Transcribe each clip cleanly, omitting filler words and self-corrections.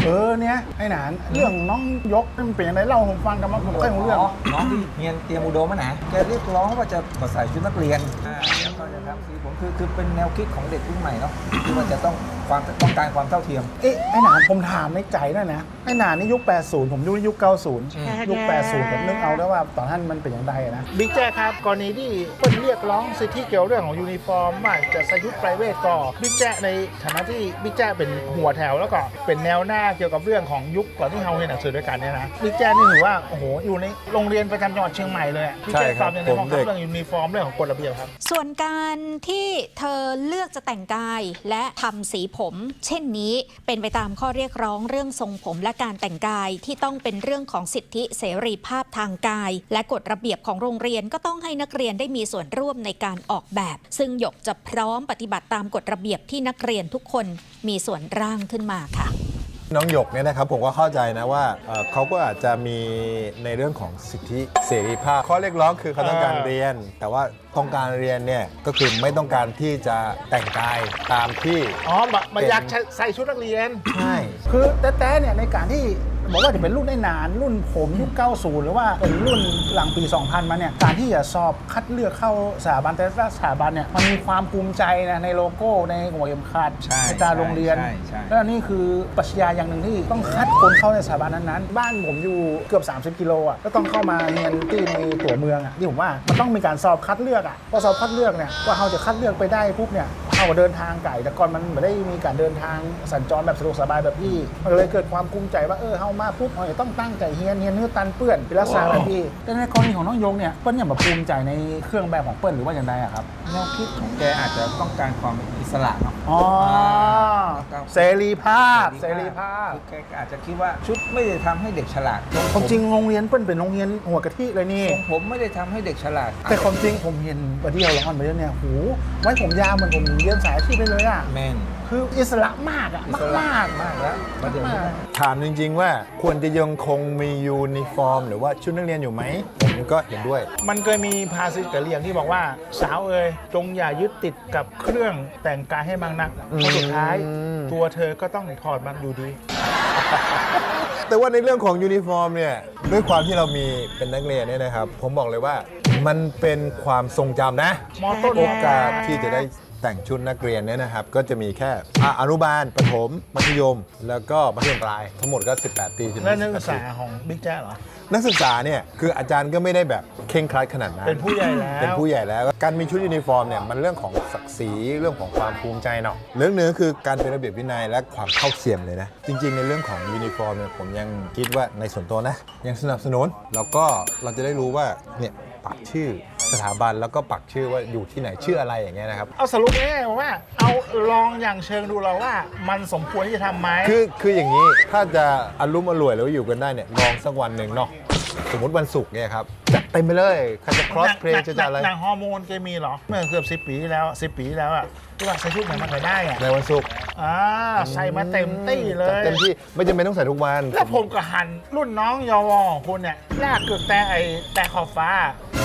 เนี่ยไอ้หนานเรื่องน้องยกมันเป็นยังไงเล่าผมฟังกันมาผมไม่รู้เรื่องน้องที่เรียนเตรียมอุดมนะแกเรียกร้องว่าจะใส่ชุดนักเรียนแล้วก็จะทำสีผมคือเป็นแนวคิดของเด็กรุ่นใหม่เนาะที่ว่าจะต้องการความเท่าเทียมไอ้หนานผมถามในใจได้นะไอ้หนานนี่ยุค80ผมยุค90ยุค80ผมนึกเอาได้ว่าตอนนั้นมันเป็นอย่างไรนะบิ๊กแจ๊ครับกรณีที่เปิ้ลเรียกร้องสิทธิเกี่ยวเรื่องของยูนิฟอร์มว่าจะใส่ชุดไพรเวทก็บิ๊กแจ๊ในฐานะที่บิ๊กแจ๊เป็นหัวแถวแล้วก็เป็นแนวหน้าเกี่ยวกับเรื่องของยุคก่อนที่เราเรียนหนังสือด้วยกันเนี่ยนะบิ๊กแจ๊นี่ถือว่าโอ้โหอยู่ในโรงเรียนประจำจังหวัดเชียงใหม่เลยบิ๊กแจ๊ตอบในเรื่องของเรื่องยูนิฟอร์มเรื่องของกฎระเบียบครับส่วนการที่เธอเลือกจะแต่งกายและทำสีผมเช่นนี้เป็นไปตามข้อเรียกร้องเรื่องทรงผมและการแต่งกายที่ต้องเป็นเรื่องของสิทธิเสรีภาพทางกายและกฎระเบียบของโรงเรียนก็ต้องให้นักเรียนได้มีส่วนร่วมในการออกแบบซึ่งหยกจะพร้อมปฏิบัติตามกฎระเบียบที่นักเรียนทุกคนมีส่วนร่างขึ้นมาค่ะน้องหยกเนี่ยนะครับผมก็เข้าใจนะว่าเขาก็อาจจะมีในเรื่องของสิทธิเสรีภาพข้อเรียกร้องคือเขาต้องการเรียนแต่ว่าต้องการเรียนเนี่ยก็คือไม่ต้องการที่จะแต่งกายตามที่มันอยากใส่ชุดนักเรียนใช่คือแต่เนี่ยในการที่บอกว่าจะเป็นรุ่นได้นานรุ่นผมยุค90หรือว่าเป็นรุ่นหลังปี 2000 มาเนี่ยการที่จะสอบคัดเลือกเข้าสถาบันแต่ละสถาบันเนี่ยมันมีความภูมิใจนะในโลโก้ในหัวเข็มขัดในตาโรงเรียนแล้วนี่คือปรัชญาอย่างหนึ่งที่ต้องคัดคนเข้าในสถาบันนั้นๆบ้านผมอยู่เกือบ30 กิโลอ่ะก็ต้องเข้ามาเรียนที่ในตัวเมืองอ่ะที่ผมว่ามันต้องมีการสอบคัดเลือกอ่ะพอสอบคัดเลือกเนี่ยว่าเขาจะคัดเลือกไปได้ปุ๊บเนี่ยเอาเดินทางไกลแต่ก่อนมันไม่ได้มีการเดินทางสัญจรแบบสะดวกสบายแบบพี่มันเลยเกิดความภูมิใจว่าเฮามาปุ๊บเราต้องตั้งใจเฮียนเนื้อตันเปื้อนเป็นลักษณะแบบพี่แต่ในกรณีของน้องยงเนี่ยเปิ้ลอย่างแบบภูมิใจในเครื่องแบบของเปิ้ลหรือว่าอย่างไรอะครับแนวคิดของแกอาจจะต้องการความอิสระเนาะเสรีภาพแกอาจจะคิดว่าชุดไม่ได้ทำให้เด็กฉลาดความจริงโรงเรียนเปิ้ลเป็นโรงเรียนหัวกะทิเลยนี่ผมไม่ได้ทำให้เด็กฉลาดแต่ความจริงผมเห็นวันที่เราร้อนไปเนี่ยหูไว้ผมยาวเหมือนผมเรียนสายอาชีพไปเลยอะแม่นคืออิสระมากอะมากแล้วถามจริงๆว่าควรจะยังคงมียูนิฟอร์มหรือว่าชุดนักเรียนอยู่ไหมผมก็เห็นด้วยมันเคยมีภาษิตกะเหรี่ยงที่บอกว่าสาวจงอย่ายึดติดกับเครื่องแต่งกายให้มากนักเพราะสุดท้ายตัวเธอก็ต้องถอดมันอยู่ดีแต่ว่าในเรื่องของยูนิฟอร์มเนี่ยด้วยความที่เรามีเป็นนักเรียนเนี่ยนะครับผมบอกเลยว่ามันเป็นความทรงจำนะโอกาสที่จะได้แต่งชุดนักเรียนเนี่ยนะครับก็จะมีแค่อนุบาลประถมมัธยมแล้วก็มัธยมปลายทั้งหมดก็18 ปีและนักศึกษาของบิ๊กแจ๊เหรอนักศึกษาเนี่ยคืออาจารย์ก็ไม่ได้แบบเคร่งครัดขนาดนั้นเป็นผู้ใหญ่แล้วการมีชุดยูนิฟอร์มเนี่ยมันเรื่องของศักดิ์ศรีเรื่องของความภูมิใจเนาะเรื่องนึงคือการเป็นระเบียบวินัยและความเท่าเทียมเลยนะจริงๆในเรื่องของยูนิฟอร์มเนี่ยผมยังคิดว่าในส่วนตัวนะยังสนับสนุนแล้วก็เราจะได้รู้ว่าเนี่ยปักชื่อสถาบันแล้วก็ปักชื่อว่าอยู่ที่ไหนชื่ออะไรอย่างเงี้ยนะครับเอาสรุปง่ายๆว่าเอาลองอย่างเชิงดูเราว่ามันสมควรที่จะทำไหมคืออย่างนี้ถ้าจะอารมณ์อร่วยแล้วอยู่กันได้เนี่ยลองสักวันหนึ่งเนาะสมมติวันศุกร์เนี่ยครับจัดเต็มไปเลยใครจะ cross play จะอะไรหนังฮอร์โมนเคมีเหรอเมื่อเกือบ10 ปีที่แล้วอ่ะที่ว่าใส่ชุดไหนมาใส่ได้อะในวันศุกร์ใส่มาเต็มตี้เลยเต็มที่ไม่จำเป็นต้องใส่ทุกวันแล้วผมก็หันรุ่นน้องยวของคุณเนี่ยลากเกือกแต่ขอบฟ้า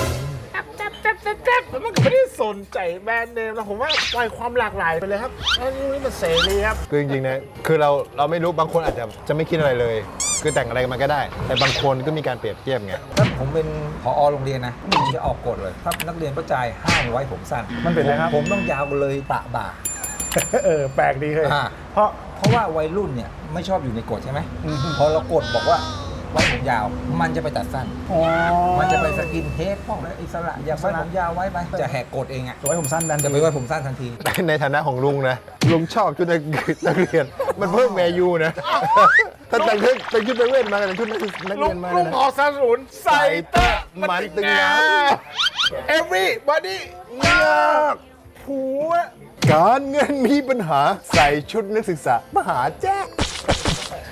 มันก็ไม่ได้สนใจแบรนด์เนมแล้วผมว่าปล่อยความหลากหลายไปเลยครับอันนี้มันเสรีครับคือจริงๆนะคือเราไม่รู้บางคนอาจจะไม่คิดอะไรเลยคือแต่งอะไรมันก็ได้แต่บางคนก็มีการเปรียบเทียบไงถ้าผมเป็นผอโรงเรียนนะผมจะออกกฎเลยถ้านักเรียนประจายห้ามไว้ผมสั้นมันเป็นอะไรครับผมต้องยาวเลยปะบ่าแปลกดีเลยเพราะว่าวัยรุ่นเนี่ยไม่ชอบอยู่ในกฎใช่ไหมพอเรากฎบอกว่าไว้ผมยาวมันจะไปตัดสั้นมันจะไปสกินเฮดพวกนั้นอิสระอยากไว้ผมยาวไว้ไปจะแหกกฎเองอ่ะไว้ผมสั้นดันจะไปไว้ผมสั้นทันทีในฐานะของลุงนะลุงชอบชุดนักเรียนมันเพิ่มแมยูนะถ้าแต่งชุดนักเรียนมาแต่งชุดนักเรียนมาลุงขอสนับสนุนใส่เตะมันตึงงา everybody งาผัวการเงินมีปัญหาใส่ชุดนักศึกษามหาแจ๊ก